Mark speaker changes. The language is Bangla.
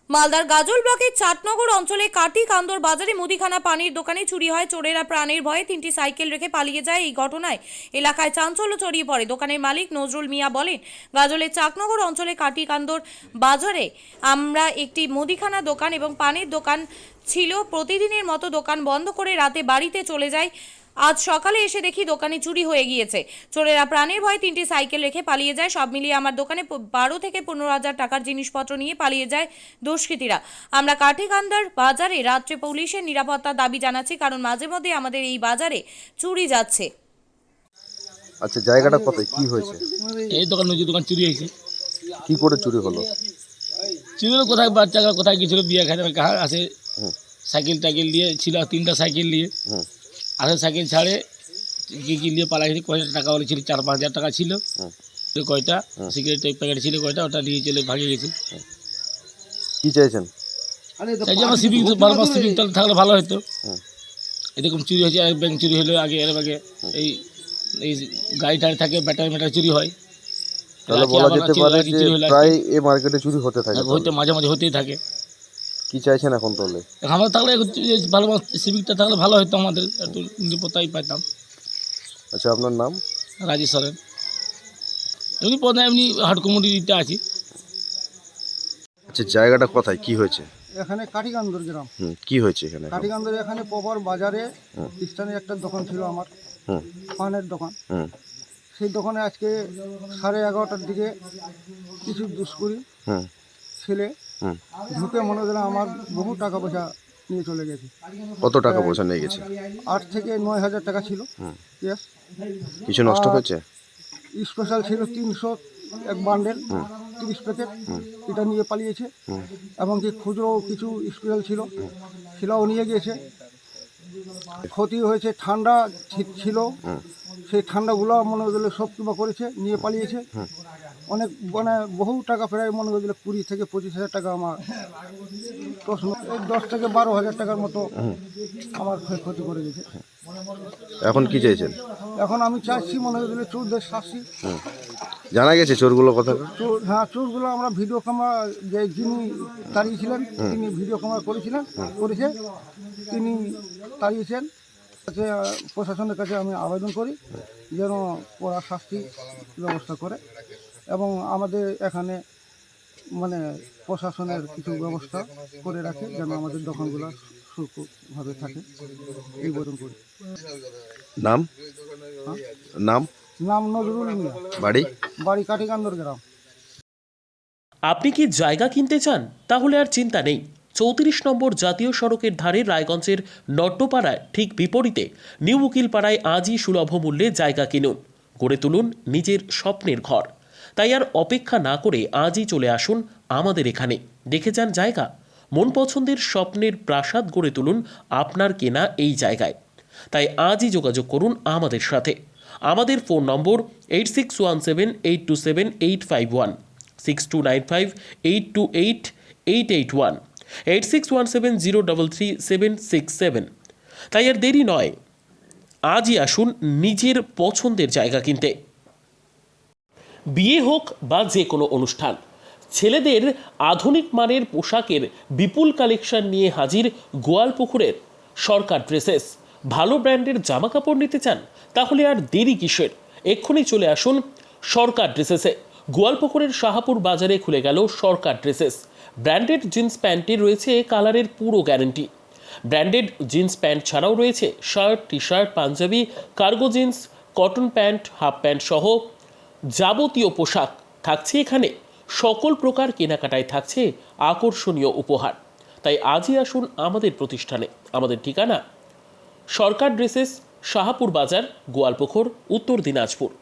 Speaker 1: মালদার গাজল ব্লকের চাটনগর অঞ্চলে কাটি কান্দর বাজারে মুদিখানা পানির দোকানে চুরি হয়। চোরেরা প্রাণের ভয়ে 3টি সাইকেল রেখে পালিয়ে যায়। এই ঘটনায় এলাকায় চাঞ্চল্য ছড়িয়ে পড়ে। দোকানের মালিক নজরুল মিয়া বলেন, গাজলের চাটনগর অঞ্চলে কাটি কান্দর বাজারে আমরা একটি মুদিখানা দোকান এবং পানির দোকান ছিল। প্রতিদিনের মতো দোকান বন্ধ করে রাতে বাড়িতে চলে যায়। আজ সকালে এসে দেখি দোকানে চুরি হয়ে গিয়েছে। চোরেরা প্রাণের ভয়ে 3টি সাইকেল রেখে পালিয়ে যায়। সব মিলিয়ে আমার দোকানে 12 থেকে 15,000 টাকার জিনিসপত্র নিয়ে পালিয়ে যায় দুষ্কৃতীরা। আমরা কাঠিকান্দার বাজারে রাত্রে পুলিশের নিরাপত্তার দাবি জানাচ্ছি, কারণ মাঝে মধ্যে আমাদের এই বাজারে চুরি যাচ্ছে।
Speaker 2: আচ্ছা, জায়গাটা কোথায়, কি হয়েছে?
Speaker 3: এই দোকান নদীর দোকান চুরি হয়েছে।
Speaker 2: কি করে চুরি হলো?
Speaker 3: চুরি হলো কোথায় বাচ্চারা কোথায় গেছিলো বিয়ে খাতে আসে, সাইকেল টাইকেল দিয়ে ছিল 3টা সাইকেল নিয়ে আসে, সাইকেল ছাড়ে কি নিয়ে পালাইছি। কয়টা টাকা বলে ছিল, 4-5 হাজার টাকা ছিল, কয়টা সিগারেট প্যাকেট ছিল কয়টা, ওটা নিয়ে চলে ভাগে গেছে।
Speaker 2: কি চাইছেন?
Speaker 3: চাইছি আমার সিভিং ভালো সিভিং তাহলে থাকলে ভালো হতো। এরকম চুরি হয়েছে, এক ব্যাংক চুরি হলো আগে, এর আগে এই এই গাড়ি টাড়ি থাকে, ব্যাটারি চুরি হয়।
Speaker 2: তাহলে বলা যেতে পারে যে প্রায় এই মার্কেটে চুরি হতে থাকে,
Speaker 3: হয়তো মাঝে মাঝে হতেই থাকে।
Speaker 2: কি চাইছেন এখন তাহলে?
Speaker 3: আমরা থাকলে ভালো সিভিকটা থাকলে ভালো হতো, আমাদের একটু নিরাপত্তাই পাইতাম।
Speaker 2: আচ্ছা, আপনার নাম?
Speaker 3: রাজেশ সরেন। এমনি পদে এমনি হাট কমিটিতে আছি।
Speaker 2: আচ্ছা, জায়গাটা কোথায়, কি হয়েছে?
Speaker 4: এখানে কাঠিকান্দর গ্রাম।
Speaker 2: কি হয়েছে এখানে?
Speaker 4: কাঠিকান্দর এখানে প্রপার বাজারে স্থানীয় একটা দোকান ছিল আমার, পানের দোকান। সেই দোকানে আজকে 11:30টার দিকে কিছু দুষ্কৃতী ছেলে ঢুকে মনে হলো আমার বহু টাকা পয়সা নিয়ে চলে গেছে।
Speaker 2: কত টাকা পয়সা নিয়ে গেছে?
Speaker 4: 8 থেকে 9,000 টাকা ছিল। ইয়েস।
Speaker 2: কিছু নষ্ট হয়েছে?
Speaker 4: স্পেশাল ছিল 300 এক বান্ডেল, 30 প্যাকেট, এটা নিয়ে পালিয়েছে। এবং কি খুচরো কিছু স্পেশাল ছিল, সেটাও নিয়ে গিয়েছে। ক্ষতি হয়েছে, ঠান্ডা ছিল, সেই ঠান্ডাগুলো মনে হলো সব কিবা করেছে, নিয়ে পালিয়েছে। অনেক মানে বহু টাকা, প্রায় মনে হলো 20 থেকে 25,000 টাকা আমার, 10 থেকে 12,000 টাকার মতো আমার ক্ষয়ক্ষতি করে গেছে।
Speaker 2: এখন কি চাইছেন?
Speaker 4: এখন আমি চাইছি মনে হলো চোরদের শাস্তি।
Speaker 2: জানা গেছে চোরগুলো কথা?
Speaker 4: হ্যাঁ, চোরগুলো আমরা ভিডিও ক্যামেরা, যে যিনি তাড়িয়েছিলেন তিনি ভিডিও ক্যামেরা করেছে, তিনি তাড়িয়েছেন। প্রশাসনের কাছে আমি আবেদন করি যেন ওরা শাস্তি ব্যবস্থা করে এবং আমাদের এখানে মানে প্রশাসনের কিছু ব্যবস্থা করে রাখে, যেন আমাদের দোকানগুলো সুরক্ষিতভাবে থাকে, এই আবেদন করি।
Speaker 2: নাম? নাম?
Speaker 4: নাম নজরুল মিয়া, বাড়ি কাঠিকান্দর গ্রাম।
Speaker 5: আপনি কি জায়গা কিনতে চান? তাহলে আর চিন্তা নেই। 34 নম্বর জাতীয় সড়কের ধারে রায়গঞ্জের নট্টপাড়ায় ঠিক বিপরীতে নিউ উকিলপাড়ায় আজই সুলভ মূল্যে জায়গা কিনুন, গড়ে তুলুন নিজের স্বপ্নের ঘর। তাই আর অপেক্ষা না করে আজই চলে আসুন আমাদের এখানে, দেখে যান জায়গা। মন পছন্দের স্বপ্নের প্রাসাদ গড়ে তুলুন আপনার কেনা এই জায়গায়। তাই আজই যোগাযোগ করুন আমাদের সাথে। আমাদের ফোন নম্বর 8617827851, 6295828881, 8617033767। তাই আর দেরি নয়, আজই আসুন নিজের পছন্দের জায়গা কিনতে। বিয়ে হোক বা যে কোনো অনুষ্ঠান, ছেলেদের আধুনিক মানের পোশাকের বিপুল কালেকশন নিয়ে হাজির গোয়ালপুকুরের সরকার ড্রেসেস। ভালো ব্র্যান্ডের জামা কাপড় নিতে চান? তাহলে আর দেরি কিসের, এক্ষুনি চলে আসুন সরকার ড্রেসেসে। গোয়ালপুকুরের শাহাপুর বাজারে খুলে গেল সরকার ড্রেসেস। ব্র্যান্ডেড জিন্স প্যান্টে রয়েছে কালারের পুরো গ্যারেন্টি। ব্র্যান্ডেড জিন্স প্যান্ট ছাড়াও রয়েছে shirt, T shirt, panjabi, cargo jeans, cotton pant, half pant সহ যাবতীয় পোশাক থাকছে এখানে। সকল প্রকার কেনাকাটায় থাকছে আকর্ষণীয় উপহার। তাই আজই আসুন আমাদের প্রতিষ্ঠানে। আমাদের ঠিকানা সরকার ড্রেসেস, শাহাপুর বাজার, গোয়ালপুকুর, উত্তর দিনাজপুর।